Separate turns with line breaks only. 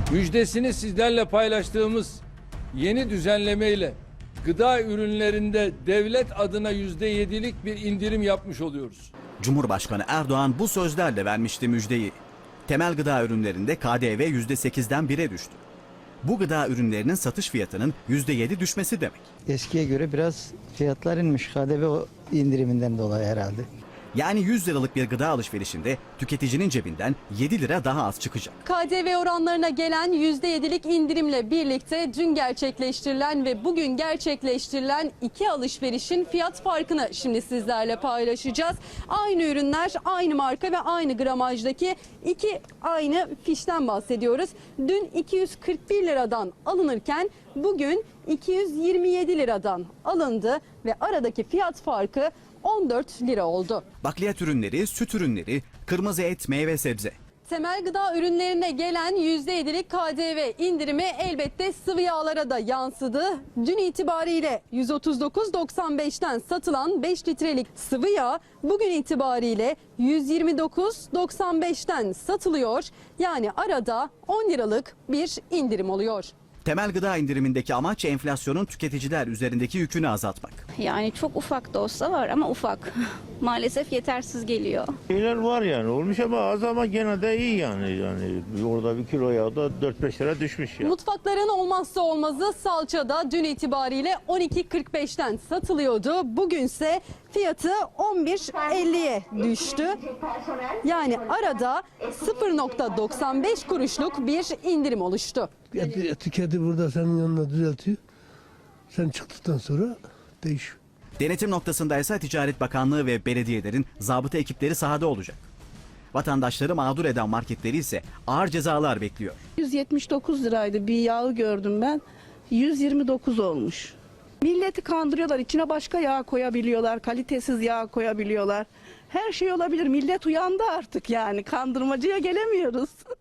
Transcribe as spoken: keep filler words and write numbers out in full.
Müjdesini sizlerle paylaştığımız yeni düzenlemeyle gıda ürünlerinde devlet adına yüzde yedilik bir indirim yapmış oluyoruz.
Cumhurbaşkanı Erdoğan bu sözlerle vermişti müjdeyi. Temel gıda ürünlerinde K D V yüzde sekizden bire düştü. Bu gıda ürünlerinin satış fiyatının yüzde yedi düşmesi demek.
Eskiye göre biraz fiyatlar inmiş K D V indiriminden dolayı herhalde.
Yani yüz liralık bir gıda alışverişinde tüketicinin cebinden yedi lira daha az çıkacak.
K D V oranlarına gelen yüzde yedilik indirimle birlikte dün gerçekleştirilen ve bugün gerçekleştirilen iki alışverişin fiyat farkını şimdi sizlerle paylaşacağız. Aynı ürünler, aynı marka ve aynı gramajdaki iki aynı fişten bahsediyoruz. Dün iki yüz kırk bir liradan alınırken bugün iki yüz yirmi yedi liradan alındı ve aradaki fiyat farkı on dört lira oldu.
Bakliyat ürünleri, süt ürünleri, kırmızı et, meyve sebze.
Temel gıda ürünlerine gelen yüzde yedilik K D V indirimi elbette sıvı yağlara da yansıdı. Dün itibariyle yüz otuz dokuz doksan beşten satılan beş litrelik sıvı yağ bugün itibariyle yüz yirmi dokuz doksan beşten satılıyor. Yani arada on liralık bir indirim oluyor.
Temel gıda indirimindeki amaç enflasyonun tüketiciler üzerindeki yükünü azaltmak.
Yani çok ufak da olsa var ama ufak. Maalesef yetersiz geliyor.
Şeyler var yani olmuş ama az ama gene de iyi yani. Yani orada bir kilo yağ da dört beş lira düşmüş ya.
Mutfakların olmazsa olmazı salça da dün itibariyle on iki kırk beşten satılıyordu. Bugünse fiyatı on bir elliye düştü. Yani arada sıfır virgül doksan beş kuruşluk bir indirim oluştu.
Eti- Etiketi burada senin yanına düzeltiyor. Sen çıktıktan sonra değişiyor.
Denetim noktasında ise Ticaret Bakanlığı ve belediyelerin zabıta ekipleri sahada olacak. Vatandaşları mağdur eden marketleri ise ağır cezalar bekliyor.
yüz yetmiş dokuz liraydı bir yağı gördüm ben. yüz yirmi dokuz olmuş. Milleti kandırıyorlar. İçine başka yağ koyabiliyorlar. Kalitesiz yağ koyabiliyorlar. Her şey olabilir. Millet uyandı artık yani. Kandırmacıya gelemiyoruz.